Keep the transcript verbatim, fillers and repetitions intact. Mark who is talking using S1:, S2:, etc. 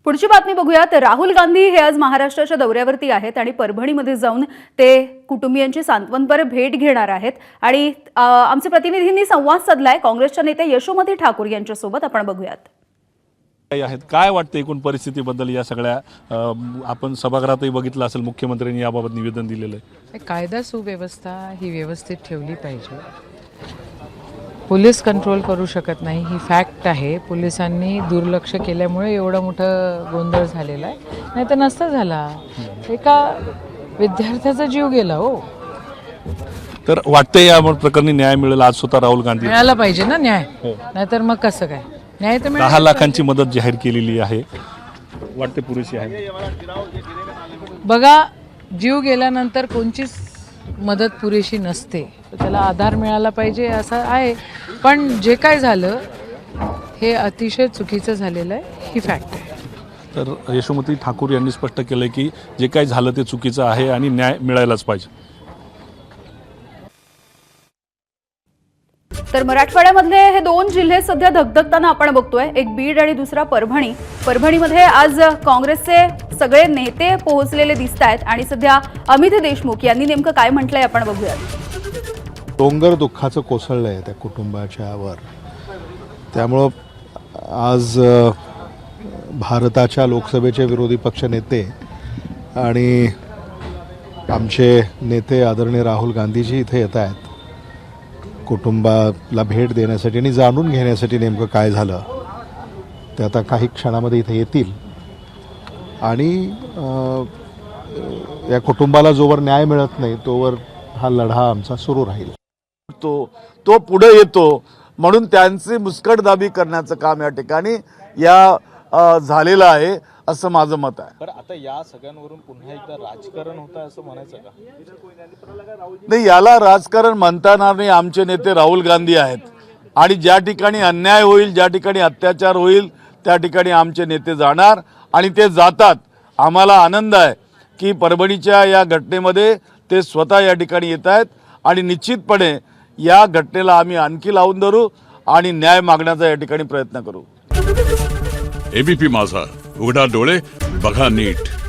S1: पुढची बातमी बघूयात। राहुल गांधी हे आज महाराष्ट्राच्या दौऱ्यावरती आहेत आणि परभणीमध्ये जाऊन ते कुटुंबियांची सांत्वनपर भेट घेणार आहेत आणि आमचे प्रतिनिधींनी संवाद साधलाय काँग्रेसच्या नेते यशोमती ठाकूर यांच्यासोबत। आपण बघूयात
S2: आहेत काय वाटतं एकूण परिस्थितीबद्दल। या सगळ्या आपण सभागृहातही बघितलं असेल मुख्यमंत्र्यांनी याबाबत निवेदन दिलेलं आहे।
S3: कायदा सुव्यवस्था ही व्यवस्थित ठेवली पाहिजे। पोलीस कंट्रोल करू शकत नाही ही फॅक्ट आहे। पोलिसांनी दुर्लक्ष केल्यामुळे एवढा मोठा गोंधळ झालेला आहे, नाही तर नसता झाला। एका विद्यार्थ्याचा जीव गेला हो।
S2: तर वाटते या प्रकरणी न्याय मिळेल आज स्वतः राहुल गांधी
S3: मिळाला पाहिजे ना न्याय, नाहीतर मग कसं काय न्याय तर
S2: दहा लाखांची मदत जाहीर केलेली आहे, वाटते पुरेशी आहे।
S3: बघा जीव गेल्यानंतर कोणचीच मदत पुरेशी नसते, त्याला आधार मिळाला पाहिजे असं आहे। पण जे काय झालं हे अतिशय चुकीचं झालेलं आहे ही फॅक्ट आहे।
S2: तर यशोमती ठाकूर यांनी स्पष्ट केलं की जे काय झालं ते चुकीचं आहे आणि न्याय मिळायलाच पाहिजे।
S1: तर मराठवाड्यामधले हे दोन जिल्हे सध्या धगधगताना आपण बघतोय, एक बीड आणि दुसरा परभणी। परभणीमध्ये आज काँग्रेसचे सगळे नेते पोहोचलेले दिसतायत आणि सध्या अमित देशमुख यांनी नेमकं काय म्हटलंय आपण बघूयात।
S4: डोंगर दुःखाचं कोसळलंय त्या कुटुंबाच्या वर, त्यामुळं आज भारताच्या लोकसभेचे विरोधी पक्ष नेते आणि आमचे नेते आदरणीय राहुल गांधीजी इथे येत आहेत कुटुंबाला भेट देण्यासाठी आणि जाणून घेण्यासाठी नेमकं काय झालं ते आता काही क्षणामध्ये इथे येतील आणि या कुटुंबाला जोवर न्याय मिळत नाही तोवर हा लढा आमचा सुरू राहील।
S5: तो तो पुढे येतो म्हणून त्यांची मुस्कटदाबी करण्याचं काम या ठिकाणी या झालेलं आहे असं माझं मत आहे।
S6: पण आता या सगळ्यांवरून पुन्हा एकदा राजकारण होतं असं म्हणायचं का?
S5: नाही, याला राजकारण म्हणता येणार नाही। आमचे नेते राहुल गांधी आहेत आणि ज्या ठिकाणी अन्याय होईल, ज्या ठिकाणी अत्याचार होईल त्या ठिकाणी आमचे नेते जाणार आणि ते जातात। आम्हाला आनंद आहे की परभणीच्या या घटनेमध्ये ते स्वतः या ठिकाणी येत आहेत आणि निश्चितपणे या घटनेला आम्ही आणखी लावून धरू आणि न्याय मागण्याचा या ठिकाणी प्रयत्न करू।
S7: एबीपी माझा, उघडा डोळे बघा नीट।